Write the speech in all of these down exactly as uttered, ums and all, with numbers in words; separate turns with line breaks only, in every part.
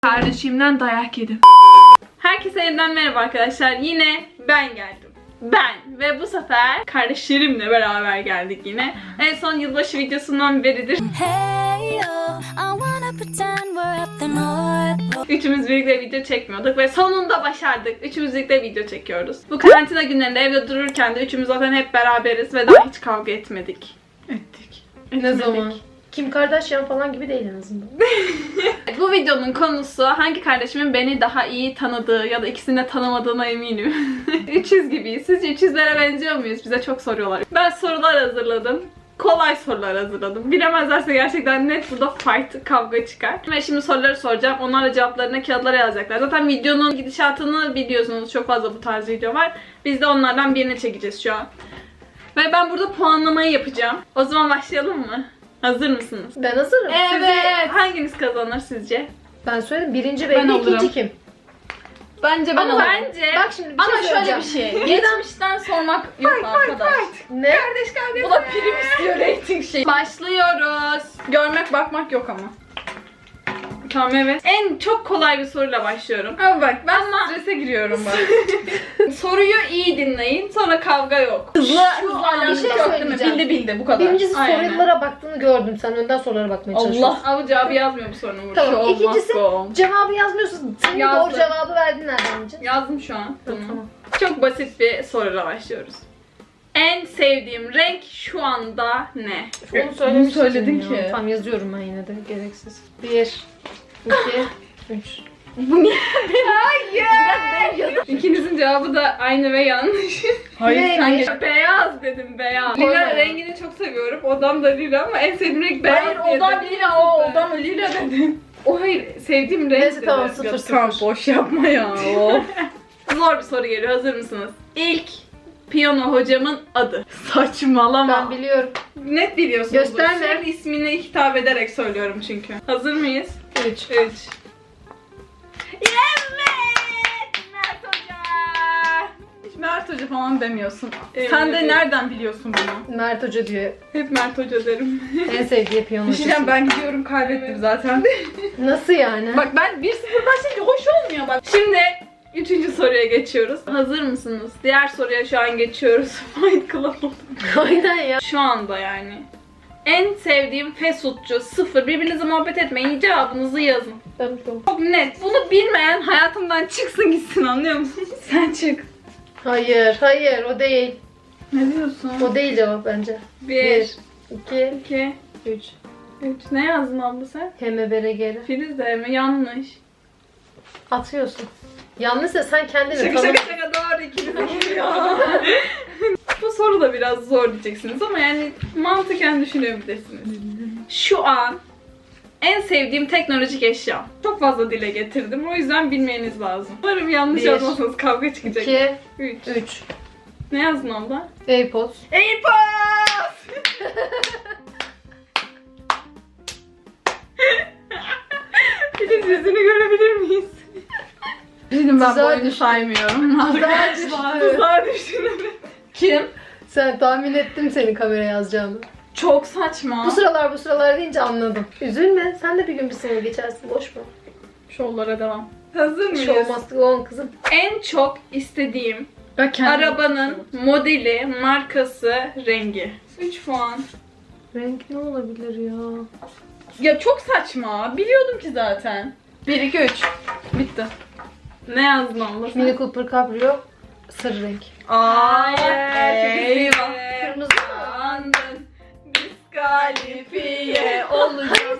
Kardeşimden dayak yedim. Herkese yeniden merhaba arkadaşlar. Yine ben geldim. Ben ve bu sefer kardeşlerimle beraber geldik yine. En son yılbaşı videosundan beridir. Üçümüz birlikte video çekmiyorduk ve sonunda başardık. Üçümüz birlikte video çekiyoruz. Bu karantina günlerinde evde dururken de üçümüz zaten hep beraberiz ve daha hiç kavga etmedik. Ettik.
Ne
Etmedik.
zaman? Kim Kardashian falan gibi değil en azından.
Bu videonun konusu hangi kardeşimin beni daha iyi tanıdığı ya da ikisini de tanımadığına eminim. üç yüz gibiyiz. Sizce üç yüzlere benziyor muyuz? Bize çok soruyorlar. Ben sorular hazırladım. Kolay sorular hazırladım. Bilemezlerse gerçekten net burada fight, kavga çıkar. Ve şimdi soruları soracağım. Onlar da cevaplarını kağıtlara yazacaklar. Zaten videonun gidişatını biliyorsunuz. Çok fazla bu tarz video var. Biz de onlardan birini çekeceğiz şu an. Ve ben burada puanlamayı yapacağım. O zaman başlayalım mı? Hazır mısınız?
Ben hazırım.
Evet.
Sizce-
Hanginiz kazanır sizce?
Ben söyledim. Birinci
Ben
belli,
olurum.
ikinci kim?
Bence ben
Ama
olurum.
bence...
Bak şimdi bir
Ama
şey
şöyle bir
söyleyeceğim.
şey. Geçmişten sormak yok arkadaş.
Ne?
Kardeş kavgası.
Bu da prim istiyor, rating şey.
Başlıyoruz.
Görmek bakmak yok ama.
Tamam evet. En çok kolay bir soruyla başlıyorum.
Ama bak ben
Ama-
strese giriyorum bak.
Soruyu iyi dinleyin. Sonra kavga yok.
Hızlı
Şu
hızlı
an
alakası
bir şey
yok değil mi?
söyleyeceğim.
Bildi bildi bu kadar.
Birincisi
Aynen.
sorulara baktığını gördüm. Sen önden sorulara bakmaya çalışıyorsun.
Allah.
Ama cevabı yazmıyor bu sorunun burada.
Tamam.
Show
İkincisi
must go on.
cevabı yazmıyorsun. Senin
Yazdım.
doğru cevabı verdin nereden bileceksin?
Yazdım şu an bunu.
Tamam.
Çok basit bir soruyla başlıyoruz. En sevdiğim renk şu anda ne?
Onu söylemiştin
söyledin
ya.
ki.
Tamam yazıyorum ben yine de gereksiz. Bir, iki, üç.
Bu niye? Hayır. İkinizin cevabı da aynı ve yanlış.
Hayır
Ne?
sen geç.
Beyaz dedim, beyaz.
Koyma
Lila
ya.
rengini çok seviyorum. Odam da lila ama en sevdiğim renk beyaz.
Hayır
diye
odam
dedim.
lila o odam lila dedim.
O hayır, sevdiğim renk
Neyse
dedi.
tamam sıfır
Ya
sıfır.
tamam boş yapma ya. Of.
Zor bir soru geliyor, hazır mısınız? İlk piyano hocamın adı. Saçmalama.
Ben biliyorum.
Net biliyorsunuz.
Gösterme.
Sürekli ismini hitap ederek söylüyorum çünkü. Hazır mıyız?
Üç.
üç. Evet! Mert Hoca!
Hiç Mert Hoca falan demiyorsun.
Emin
Sen de
ederim.
nereden biliyorsun bunu?
Mert Hoca diyor.
Hep Mert Hoca derim.
En sevdiği piyano hocası.
Düşüneceğim ben gidiyorum kaybettim zaten.
Nasıl yani?
Bak ben bir sıfır başlayınca hoş olmuyor bak.
Şimdi üçüncü soruya geçiyoruz. Hazır mısınız? Diğer soruya şu an geçiyoruz. Fight Club oldu.
Aynen ya.
Şu anda yani. En sevdiğim fast foodcu sıfır. Birbirinizle muhabbet etmeyin. Cevabınızı yazın.
Tamam tamam.
Çok net. Bunu bilmeyen hayatımdan çıksın gitsin, anlıyor musunuz?
Sen çık.
Hayır, hayır o değil.
Ne diyorsun?
O değil cevap bence.
Bir,
Bir, iki,
iki,
üç.
üç. Ne yazdın abla sen?
Heme bere geri.
Filiz de mi? Yanlış.
Atıyorsun. Yalnızsa sen kendini
Şaka
tanı.
şaka şaka doğru, ikiniz de geliyor. Bu soru da biraz zor diyeceksiniz ama yani mantıken düşünebilirsiniz. Şu an en sevdiğim teknolojik eşya. Çok fazla dile getirdim. O yüzden bilmeniz lazım. Umarım yanlış
Bir,
yazmazsanız kavga çıkacak.
İki,
üç.
üç.
Ne yazdın abla?
AirPods.
AirPods! Filiz yüzünü görebilir miyiz?
Dedim ben bu
Tuzağa
oyunu
düştüm.
saymıyorum.
Tuzağa düştüm.
Tuzağa düştün, evet.
Kim?
Sen tahmin ettim senin kamera yazacağını.
Çok saçma.
Bu sıralar bu sıralar deyince anladım. Üzülme. Sen de bir gün bir sene geçersin. Boş ver.
Şovlara devam. Hazır mıyız?
Show must go on kızım.
En çok istediğim
Ben kendim-
arabanın modeli, markası, rengi. üç puan.
Renk ne olabilir ya?
Ya çok saçma. Biliyordum ki zaten. bir iki üç. Bitti.
Ne yazdın abla sen?
Mini Cooper Cabrio. Sır renk.
Hayır.
Eyvah.
Kırmızı mı?
Andın. Diskalifiye olacak.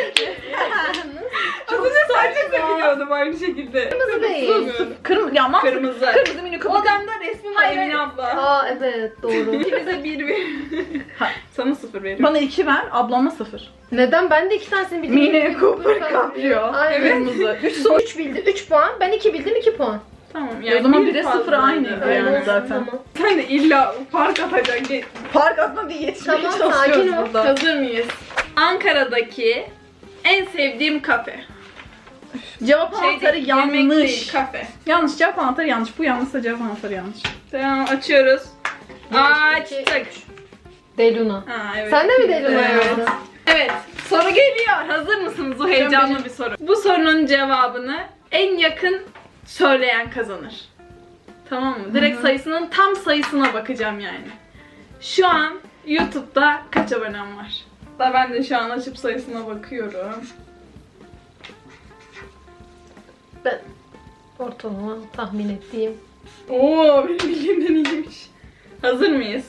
Az önce sadece de biliyordum aynı şekilde.
Kırmızı değil.
Kırmızı. Ya mantıklı.
Kırmızı.
Kırmızı mini kapı.
Odamda resmim var
Hayır,
Emine
hayır.
abla.
Aa evet doğru.
İkinize bir bir. Sana sıfır veriyorum.
Bana iki ver, ablama sıfır.
Neden? Ben de iki tanesini bildim.
Mini Cooper Cabrio.
Aynen.
Kırmızı. üç soru.
üç bildi. üç puan. Ben iki bildim. iki puan.
Tamam
O zaman bire
fazlaydı.
sıfır aynıydı
Öyle
yani
olsun
zaten.
Tamam,
Sen de illa fark atacaksın.
Park atma diye yetişmeye
Tamam,
çalışıyoruz
sakin ol.
burada.
Hazır mıyız? Ankara'daki en sevdiğim kafe.
Cevap
Şey
anahtarı
değil, yemek
yanlış.
değil, kafe.
Yanlış cevap anahtarı yanlış. Bu yanlışsa cevap anahtarı yanlış.
Tamam, açıyoruz.
Bir, iki,
Açtık.
Deluna.
Ha, evet.
Sen de mi Deluna
Evet.
yazdın?
Evet. Soru geliyor. Hazır mısınız? Bu heyecanlı bir soru. Bu sorunun cevabını en yakın söyleyen kazanır. Tamam mı? Direkt
Hı-hı.
sayısının tam sayısına bakacağım yani. Şu an YouTube'da kaç abonem var? Da ben de şu an açıp sayısına bakıyorum.
Ben ortalama tahmin ettiğim.
Oo, benim bildiğimden iyiymiş. Hazır mıyız?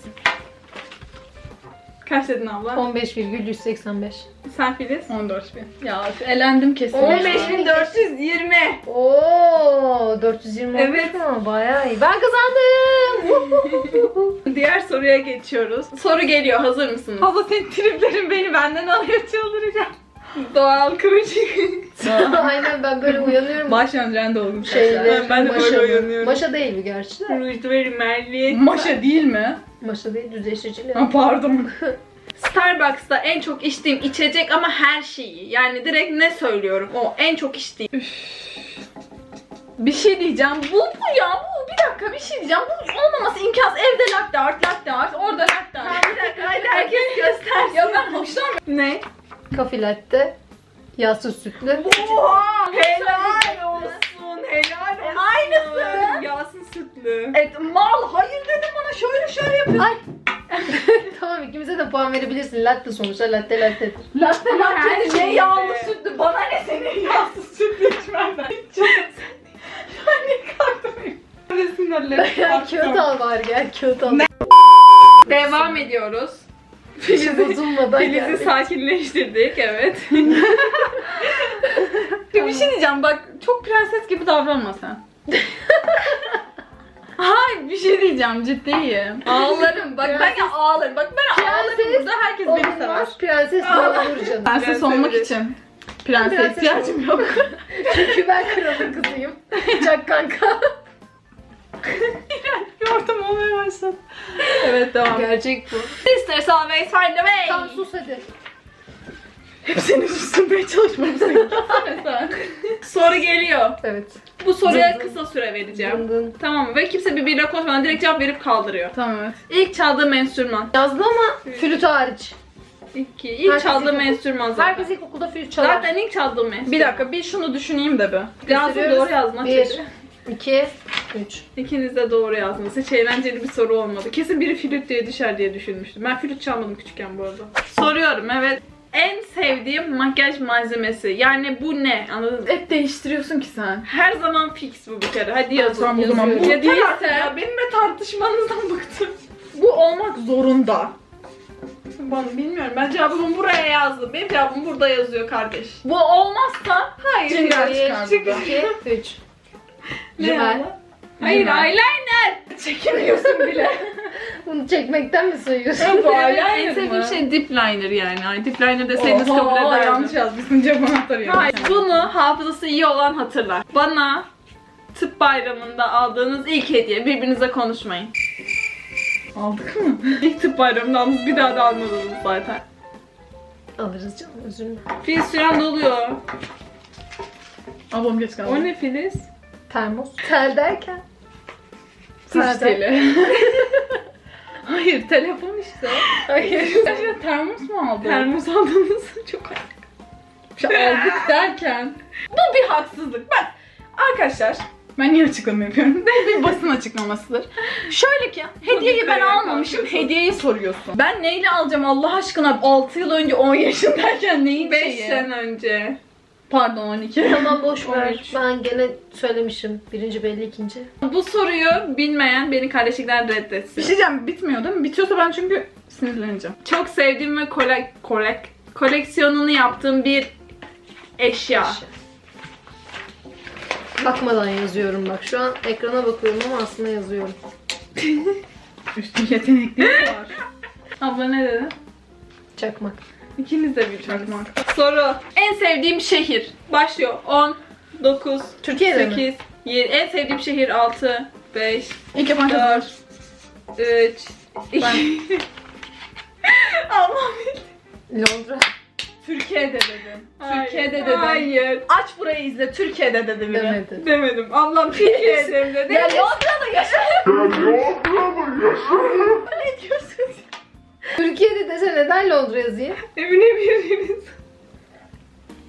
Kaç dedin abla?
on beş virgül yüz seksen beş.
Sen Filiz?
on dört bin. Ya elendim kesin.
on beş
bin dört yüz yirmi.
Oo, dört yüz yirmi
Evet.
evet. Mu? Bayağı iyi. Ben kazandım.
Diğer soruya geçiyoruz. Soru geliyor. Hazır mısınız?
Abla senin triplerin beni benden alıyor, çıldıracağım.
Doğal kıvırcık.
Aynen, ben böyle uyanıyorum.
Baş öncen de oldum.
Şeyler,
Ben de böyle
maşa mı?
uyanıyorum.
Maşa değil bu gerçi de.
Rujdu ve rimelli.
Maşa değil mi?
Maşa değil, düzleştirici.
Ha, pardon.
Starbucks'ta en çok içtiğim içecek ama her şeyi. Yani direkt ne söylüyorum o en çok içtiğim.
Bir şey diyeceğim. Bu bu ya. Bu bir dakika bir şey diyeceğim. Bu olmaması imkansız. Evde latte art, latte art, orada latte art.
Bir dakika hadi herkes göstersin.
Ya ben hoşlanmıyorum.
Ne?
Kafe latte, yağsız sütlü.
Oha! Helal olsun. Helal olsun.
Aynısı.
Yağsız sütlü.
Evet, mal hayır dedim bana, şöyle şöyle yapıyorsun.
Ay. Tamam, ikimize de puan verebilirsin. Latte sonuçta, latte lattedir.
Latte
Her
latte ne
şeyde.
yağlı sütlü, bana ne senin yağsız sütlü içmenden. Çok ben ne kalktım.
Gel kağıt al bari, gel kağıt al.
Devam ediyoruz.
Hiç bozulmadan
Filiz'i
geldik.
sakinleştirdik, evet.
Bir şey diyeceğim bak, çok prenses gibi davranma sen. Hayır, bir şey diyeceğim, ciddiyim. Ağlarım bak, ben ya ağlarım. Bak ben ağlarım
Prenses
burada, herkes beni sever.
Olmaz, prenses olur canım.
Prenses
Prenses
olmak
evet.
için prense
Prenses
ihtiyacım yok.
Çünkü ben kralın kızıyım. Çak kanka.
Bir ortam olmaya başladı. Evet, devam.
Gerçek bu.
Sisters always find a way.
Tamam, sus hadi.
Hep senin susturmaya çalışmamızı. Sen.
Soru geliyor.
Evet.
Bu soruya
Dın dın.
kısa süre vereceğim.
Dın dın.
Tamam mı? Ve kimse birbiriyle konuşmadan direkt cevap verip kaldırıyor.
Tamam, evet.
İlk çaldığım enstrüman.
Yazdı ama flüt hariç.
İki. İlk
Herkes
çaldığım
ilk-
enstrüman zaten.
Herkes ilkokulda flüt çalar.
Zaten ilk çaldığım enstrüman.
Bir dakika, bir şunu düşüneyim de be.
Yazdım,
Gösteriyoruz.
doğru yazdım.
Bir,
Hadi.
iki, üç.
İkiniz de doğru yazdınız. Hiç eğlenceli bir soru olmadı. Kesin biri flüt diye düşer diye düşünmüştüm. Ben flüt çalmadım küçükken bu arada. Soruyorum, evet. En sevdiğim makyaj malzemesi. Yani bu ne? Anladın mı?
Hep değiştiriyorsun ki sen.
Her zaman fix bu bir kere. Hadi yazın.
Tamam, o zaman
yazıyorum.
bu
Ya
değilse
değilse ya benimle tartışmanızdan bıktım.
bu olmak zorunda.
Ben bilmiyorum. Ben cevabımı buraya yazdım. Benim cevabım burada yazıyor kardeş.
Bu olmazsa
Hayır.
Cingar
Bir,
çıkar burada.
iki, üç.
Ne
Rimel.
abla? Hayır,
Rimel.
eyeliner.
Çekemiyorsun bile.
Bunu çekmekten mi sayıyorsun?
Bu
Evet,
eyeliner
en sevdiğim
mi?
şey dip liner yani. Ay, dip liner deseydiniz kabul
Oha,
ederdim.
yanlış yazmışsın, cevap anahtarı yazmış.
Hayır, bunu hafızası iyi olan hatırlar. Bana tıp bayramında aldığınız ilk hediye. Birbirinize konuşmayın.
Aldık mı?
İlk tıp bayramında aldınız, bir daha da almadınız zaten.
Alırız canım, üzülme.
Filiz süren doluyor.
Ablam geç kaldı.
O ne Filiz?
Termos. Tel derken?
Sıç
Zaten-
teli. Hayır, telefon işte.
Hayır.
Sen termos mu aldın?
Termos aldınız. Çok
İşte aldık derken. Bu bir haksızlık. Bak arkadaşlar, ben niye açıklama yapıyorum? Bu bir basın açıklamasıdır. Şöyle ki, hediyeyi ben
yukarıya
almamışım,
kalkıyorsun.
hediyeyi soruyorsun. Ben neyle alacağım Allah aşkına? altı yıl önce on yaşındayken neyin
beş
şeyi?
sene önce.
Pardon, on iki.
Tamam, boş
on
ver.
üç.
Ben gene söylemişim. Birinci belli, ikinci.
Bu soruyu bilmeyen beni kardeşlikten
Bir
reddetsin.
şey diyeceğim, bitmiyor değil mi? Bitiyorsa ben çünkü sinirleneceğim.
Çok sevdiğim ve kolek, kolek, koleksiyonunu yaptığım bir eşya.
Bakmadan yazıyorum bak. Şu an ekrana bakıyorum ama aslında yazıyorum.
Üstün yetenekli var.
Abla ne dedi?
Çakmak.
İkiniz de bir
Çakmak.
Soru. En sevdiğim şehir. Başlıyor. on, dokuz,
Türkiye'de mi?
sekiz, yedi. En sevdiğim şehir altı, beş,
İlk yapan kazanır.
dört, üç, iki. Allah'ım.
Londra.
Türkiye'de dedim.
Hayır.
Türkiye'de dedim.
Hayır.
Aç burayı izle. Türkiye'de dedim. biri.
Demedi.
Demedim. Ablam Türkiye'de dedi.
Ya Londra'da yaşa.
Türkiye'de dese neden Londra yazayım?
Evine biriniz.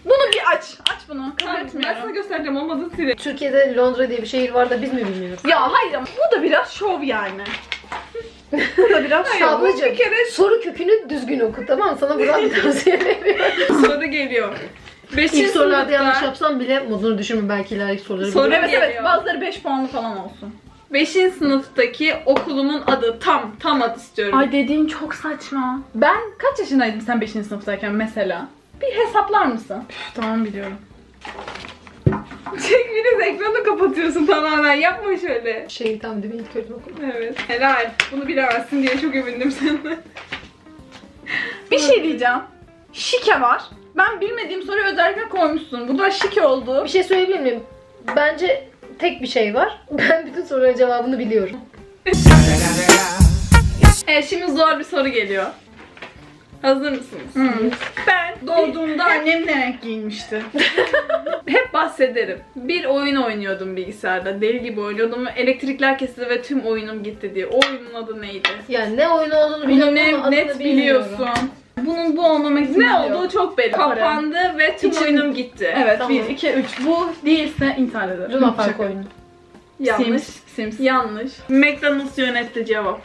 Bunu bir aç. Aç bunu. Kabul
Ben, ben
etmiyorum.
sana göstereceğim, olmadı size.
Türkiye'de Londra diye bir şehir var da biz mi bilmiyoruz?
Ya hayır ama bu da biraz şov yani. Bu da biraz şov.
Ablacığım,
bir kere-
soru kökünü düzgün oku, tamam mı? Sana buradan bir tavsiye veriyorum.
Soru geliyor. Beşinci
İlk sorularda
sınıfta-
yanlış yapsam bile modunu düşürme, belki ileriki soruları
Soru-
bilirim.
Evet evet,
geliyor.
bazıları beş puanlı falan olsun.
Beşinci sınıftaki okulumun adı, tam tam adı istiyorum.
Ay dediğin çok saçma. Ben kaç yaşındaydım sen beşinci sınıftayken mesela? Bir hesaplar mısın? Üf, tamam biliyorum.
Çek, biraz ekranı kapatıyorsun tamamen, yapma şöyle.
Şey tam değil mi? İlk öğretim okulu.
Evet. Helal. Bunu bilemezsin diye çok övündüm senden.
Bir şey diyeceğim. Şike var. Ben bilmediğim soruyu özellikle koymuşsun. Bu da şike oldu.
Bir şey söyleyebilir miyim? Bence tek bir şey var. Ben bütün soruların cevabını biliyorum.
Evet, şimdi zor bir soru geliyor. Hazır mısınız?
Hmm.
Ben
Doğduğumda annem ne renk giyinmişti?
hep bahsederim. Bir oyun oynuyordum bilgisayarda. Deli gibi oynuyordum ve elektrikler kesildi ve tüm oyunum gitti diye. O oyunun adı neydi?
Yani ne oyun olduğunu
Bunu
biliyorum
ne,
ama
net
adını bilmiyorum.
biliyorsun. Bunun bu olmama ihtimali
Ne
yok.
olduğu çok belli.
Kapandı
Kapandı ve tüm
İçin-
oyunum gitti.
Evet,
Tamam.
bir, iki, üç. Bu değilse intihar ederim.
Luna Park
Şaka.
oyunu.
Yanlış.
Sims. Sims.
Yanlış. McDonald's yönetti cevap.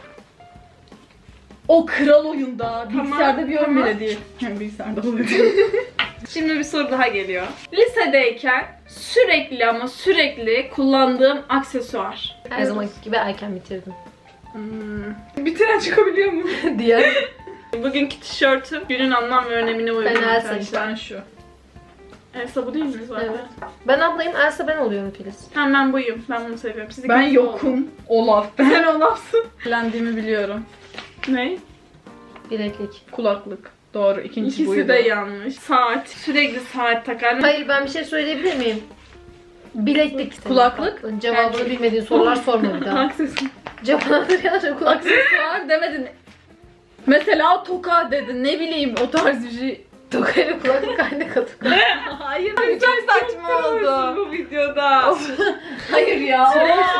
O kral oyunda.
Tamam,
Bilgisayarda bir oyun
tamam.
bile değil. Yani bilgisayarda oluyor.
Şimdi bir soru daha geliyor. Lisedeyken sürekli ama sürekli kullandığım aksesuar.
Her zamanki gibi erken bitirdim.
Hmm. Bitiren çıkabiliyor mu?
Diğer
Bugünkü tişörtüm günün anlam ve önemine uygun.
Ben Elsa
arkadaşlar.
Ben şu.
Elsa bu değil mi zaten?
Evet. Ben ablayım, Elsa ben oluyorum Filiz.
Tamam, ben buyum. Ben bunu seviyorum. Siz
Ben
ikiniz
yokum. Olaf. Ben
Sen Olaf'sın.
eğlendiğimi biliyorum.
Ne?
Bileklik.
Kulaklık. Doğru. İkinci
İkisi
buydu.
de yanlış. Saat. Sürekli saat takar.
Hayır, ben bir şey söyleyebilir miyim? Bileklik. senin
Kulaklık.
tatlın. Cevabını
Bence-
bilmediğin sorular sorma bir daha.
Aksesuar.
Cevabını yanlış kulak.
Aksesuar demedin. Mesela toka dedin. Ne bileyim o tarz bir şey.
Tokayla kulaklık aynı katı.
Hayır.
Ay,
çok
sen
saçma
çok
oldu.
trollsün bu videoda.
Hayır ya.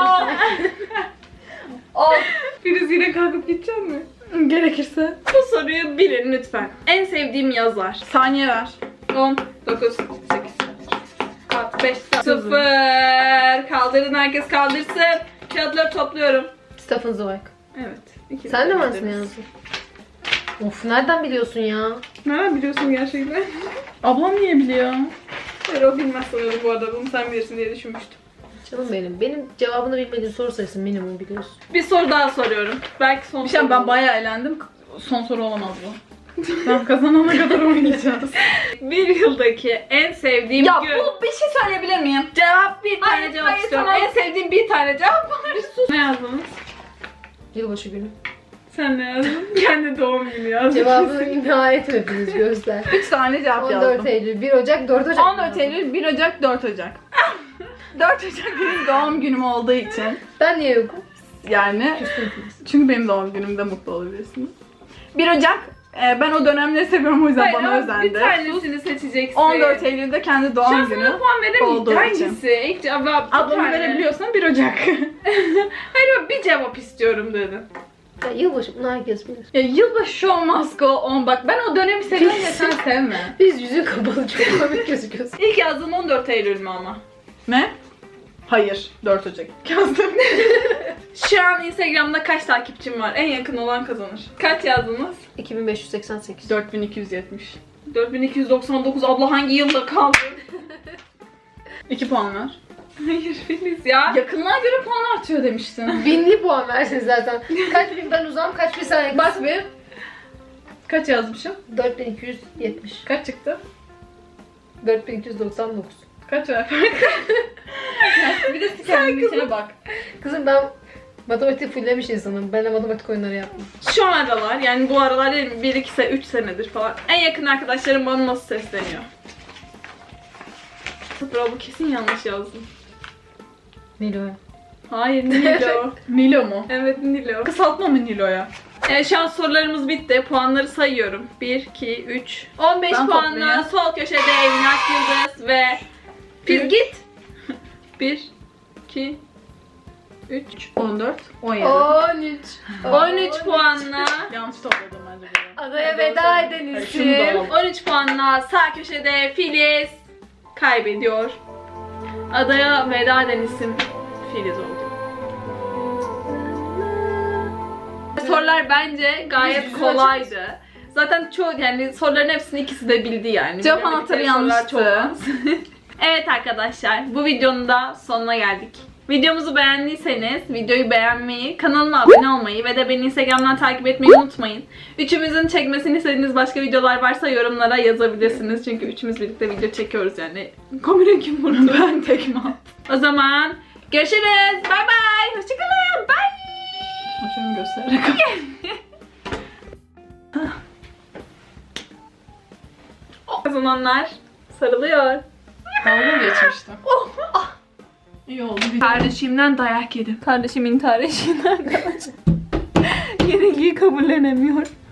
Of.
Filiz yine kalkıp gidecek mi?
Gerekirse.
Bu soruyu bilin lütfen. En sevdiğim yazar.
Saniye ver.
on, dokuz, sekiz, beş, sıfır. Kaldırın, herkes kaldırsın. Kağıtları topluyorum.
Stephen Zweig.
Evet. ikimiz
Sen de mi
bildiniz.
aslında yazdın? Of, nereden biliyorsun ya?
Nereden biliyorsun gerçekten?
Ablam niye biliyor?
Hayır, o bilmez sanırım bu arada. Bunu sen bilirsin diye düşünmüştüm.
Canım benim. Benim cevabını bilmediğim soru sayısı minimum biliyorsun.
Bir soru daha soruyorum. Belki son
Bir şey
soru
ben
olur.
bayağı eğlendim. Son soru olamaz bu. Ben kazanana kadar oynayacağız.
Bir yıldaki en sevdiğim
Ya
gün.
bu bir şey söyleyebilir miyim?
Cevap bir tane
Hayır,
cevap
hayır,
istiyorum.
tamam.
En sevdiğim bir tane cevap var. Ne yazdınız?
Yılbaşı günü.
Sen ne yazdın? Kendi doğum günü yazdın.
Cevabını nihayet hepiniz göster.
üç tane cevap
on dört
yazdım.
Eylül, bir Ocak, dört Ocak.
on dört Eylül, bir Ocak, dört Ocak. dört Ocak benim doğum günüm olduğu için.
Ben niye yokum?
Yani çünkü benim doğum günümde mutlu olabilirsiniz. bir Ocak e, ben o dönemleri seviyorum o yüzden
Hayır,
bana
ama
özendi.
bir tanesini seçeceksin.
on dört Eylül'de kendi
Şu
doğum
an
günü.
sana puan
olduğu
veremeyeceğim.
için.
Hangisi? İlk cevap bir
Ablamı
tane.
verebiliyorsan bir Ocak.
Hayır, bir cevap istiyorum dedim.
Ya, yılbaşı bunu herkes bilir.
Ya yılbaşı show must go on. Bak ben o dönemi seviyorum ya sen sevme.
Biz yüzün kapalı çok komik gözüküyorsun.
İlk yazdığım on dört Eylül mü ama?
Ne? Hayır. dört Ocak yazdım.
Şu an Instagram'da kaç takipçim var? En yakın olan kazanır. Kaç yazdınız?
iki bin beş yüz seksen sekiz.
dört bin iki yüz yetmiş.
dört bin iki yüz doksan dokuz. Abla hangi yılda kaldı?
iki puan ver.
Hayır Filiz ya.
Yakınlığa göre puan artıyor demiştin.
Binli puan versin zaten. Kaç bin ben uzağım, kaç bin sen yakınsın.
Bak bir. Kaç yazmışım?
dört bin iki yüz yetmiş.
Kaç çıktı?
dört bin iki yüz doksan dokuz.
Kaç ver? Bir de kendine bak.
Kızım ben matematik fulllemiş insanım. Ben de matematik oyunları yapmam.
Şu aralar, yani bu aralar değil mi? bir iki sene, üç senedir falan. En yakın arkadaşlarım bana nasıl sesleniyor? Bro, bu kesin yanlış yazdım.
Nilo'ya.
Hayır, Nilo.
Nilo mu?
Evet, Nilo.
Kısaltma mı Nilo'ya?
Evet, şu an sorularımız bitti. Puanları sayıyorum. bir, iki, üç. on beş
Ben
puanla
toplayayım.
sol köşede Emlak Yıldız ve... Biz
Üç.
git. bir, iki,
üç, on dört, on yedi.
on üç.
on üç puanla
Yanlış topladım bence bunu.
Adaya veda eden
Hayır, şunu da
isim.
al.
on üç puanla sağ köşede Filiz kaybediyor. Adaya veda eden isim Filiz oldu. Sorular bence gayet
Yüz yüze
kolaydı. Zaten çoğu yani soruların hepsini ikisi de bildi yani.
Cevap
Bilemedikleri
anahtarı
sorular
yanlıştı.
çok az. Evet arkadaşlar, bu videonun da sonuna geldik. Videomuzu beğendiyseniz videoyu beğenmeyi, kanalıma abone olmayı ve de beni Instagram'dan takip etmeyi unutmayın. Üçümüzün çekmesini istediğiniz başka videolar varsa yorumlara yazabilirsiniz. Çünkü üçümüz birlikte video çekiyoruz yani. Kamera kim vurdu?
Ben tekme attım.
O zaman görüşürüz. Bay bay. Hoşçakalın. Bye.
Şunu göstererek.
Kazananlar sarılıyor.
Dalga geçmiştim. İyi oldu. Bir
Kardeşimden dayak yedim. Kardeşim intihar eşiğinden arkadaşlar. Yenilgiyi kabullenemiyor.